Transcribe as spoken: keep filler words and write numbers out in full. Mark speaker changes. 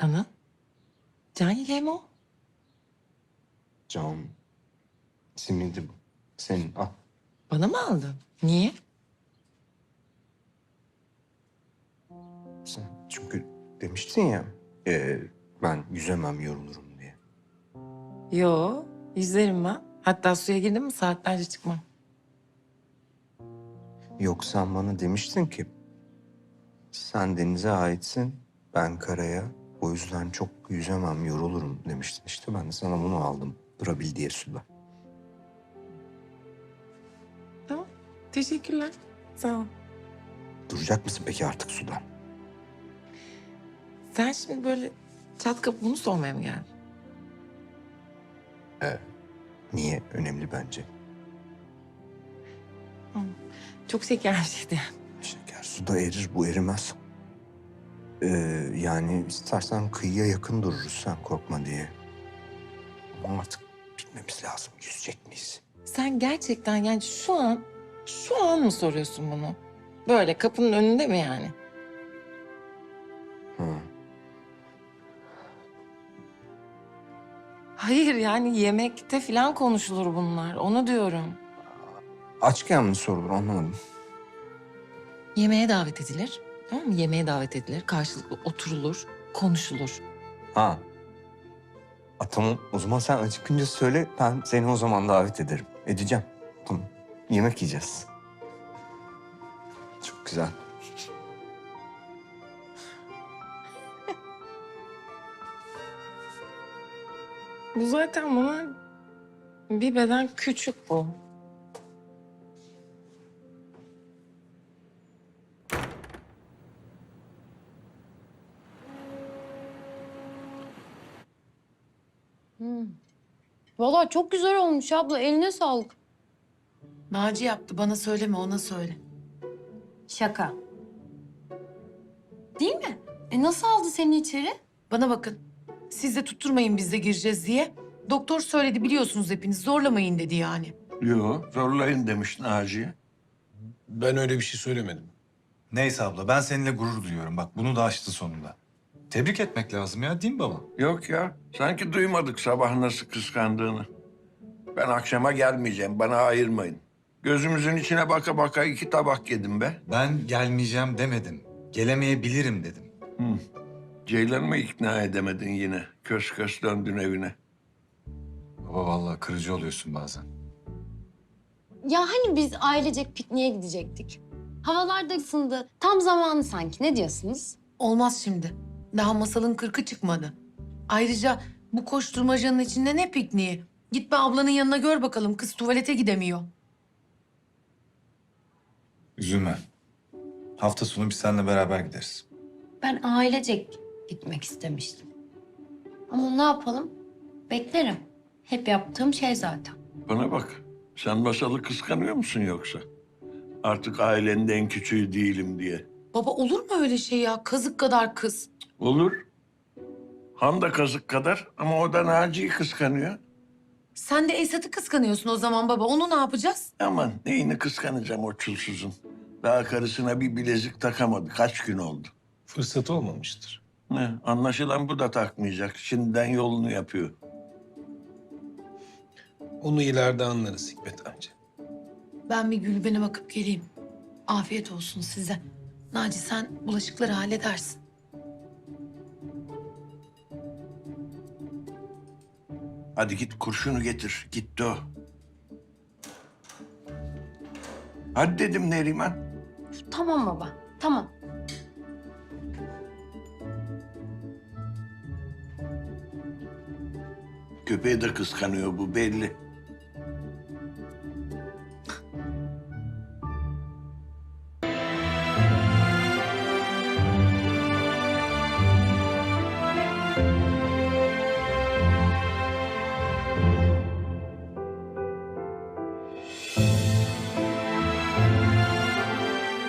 Speaker 1: Anıl? Can yeleği mi o?
Speaker 2: Can simidi bu. Senin al.
Speaker 1: Bana mı aldın? Niye?
Speaker 2: Sen çünkü demiştin ya e, ben yüzemem yorulurum diye.
Speaker 1: Yo, yüzerim ben. Hatta suya girdim mi saatlerce çıkmam.
Speaker 2: Yok sen bana demiştin ki sen denize aitsin ben karaya. O yüzden çok yüzemem yorulurum demiştin. İşte ben de sana bunu aldım. Durabil diye suda.
Speaker 1: Tamam. Teşekkürler. Sağ ol.
Speaker 2: Duracak mısın peki artık sudan?
Speaker 1: Sen şimdi böyle çat kapı bunu sormaya mı geldin?
Speaker 2: Niye? Önemli bence.
Speaker 1: Çok şeker bir şeydi yani.
Speaker 2: Şeker suda erir, bu erimez. Ee, yani istersen kıyıya yakın dururuz sen korkma diye. Ama artık bilmemiz lazım. Yüzecek miyiz?
Speaker 1: Sen gerçekten yani şu an, şu an mı soruyorsun bunu? Böyle kapının önünde mi yani?
Speaker 2: Hı.
Speaker 1: Hayır yani yemekte falan konuşulur bunlar. Onu diyorum.
Speaker 2: Açken mi sorulur anlamadım.
Speaker 1: Yemeğe davet edilir. Tamam mı? Yemeğe davet edilir. Karşılıklı oturulur, konuşulur.
Speaker 2: Ha. A, tamam o zaman sen acıkınca söyle ben seni o zaman davet ederim. Edeceğim. Tamam. Yemek yiyeceğiz. Çok güzel.
Speaker 1: Bu zaten bana bir beden küçük bu.
Speaker 3: Vallahi çok güzel olmuş abla. Eline sağlık.
Speaker 1: Naci yaptı. Bana söyleme, ona söyle.
Speaker 3: Şaka. Değil mi? E nasıl aldı seni içeri?
Speaker 4: Bana bakın. Siz de tutturmayın biz de gireceğiz diye. Doktor söyledi biliyorsunuz hepiniz. Zorlamayın dedi yani.
Speaker 5: Yo, zorlayın demiş Naciye.
Speaker 6: Ben öyle bir şey söylemedim.
Speaker 7: Neyse abla ben seninle gurur duyuyorum. Bak bunu da aştı sonunda. Tebrik etmek lazım ya değil mi baba?
Speaker 5: Yok ya, sanki duymadık sabah nasıl kıskandığını. Ben akşama gelmeyeceğim, bana ayırmayın. Gözümüzün içine baka baka iki tabak yedim be.
Speaker 7: Ben gelmeyeceğim demedim. Gelemeyebilirim dedim.
Speaker 5: Hı. Ceylan'ı mı ikna edemedin yine? Kös kös döndün evine.
Speaker 7: Baba vallahi kırıcı oluyorsun bazen.
Speaker 3: Ya hani biz ailecek pikniğe gidecektik. Havalar da ısındı. Tam zamanı sanki. Ne diyorsunuz?
Speaker 4: Olmaz şimdi. Daha masalın kırkı çıkmadı. Ayrıca bu koşturmacanın içinde ne pikniği? Git be ablanın yanına gör bakalım. Kız tuvalete gidemiyor.
Speaker 7: Üzülme. Hafta sonu biz seninle beraber gideriz.
Speaker 3: Ben ailecek gitmek istemiştim. Ama ne yapalım? Beklerim. Hep yaptığım şey zaten.
Speaker 5: Bana bak, sen masalı kıskanıyor musun yoksa? Artık ailenin en küçüğü değilim diye.
Speaker 4: Baba olur mu öyle şey ya? Kazık kadar kız.
Speaker 5: Olur. Han da kazık kadar ama o da Naci'yi kıskanıyor.
Speaker 4: Sen de Esat'ı kıskanıyorsun o zaman baba. Onu ne yapacağız?
Speaker 5: Aman neyini kıskanacağım o çulsuzun. Daha karısına bir bilezik takamadı. Kaç gün oldu.
Speaker 6: Fırsatı olmamıştır.
Speaker 5: Ne? Anlaşılan bu da takmayacak. Şimdiden yolunu yapıyor.
Speaker 6: Onu ileride anlarız Hikmet amca.
Speaker 4: Ben bir Gülben'e bakıp geleyim. Afiyet olsun size. Naci sen bulaşıkları halledersin.
Speaker 5: Hadi git kurşunu getir. Gitti o. Hadi dedim Neriman.
Speaker 3: Tamam baba. Tamam.
Speaker 5: Köpeği de kıskanıyor bu belli.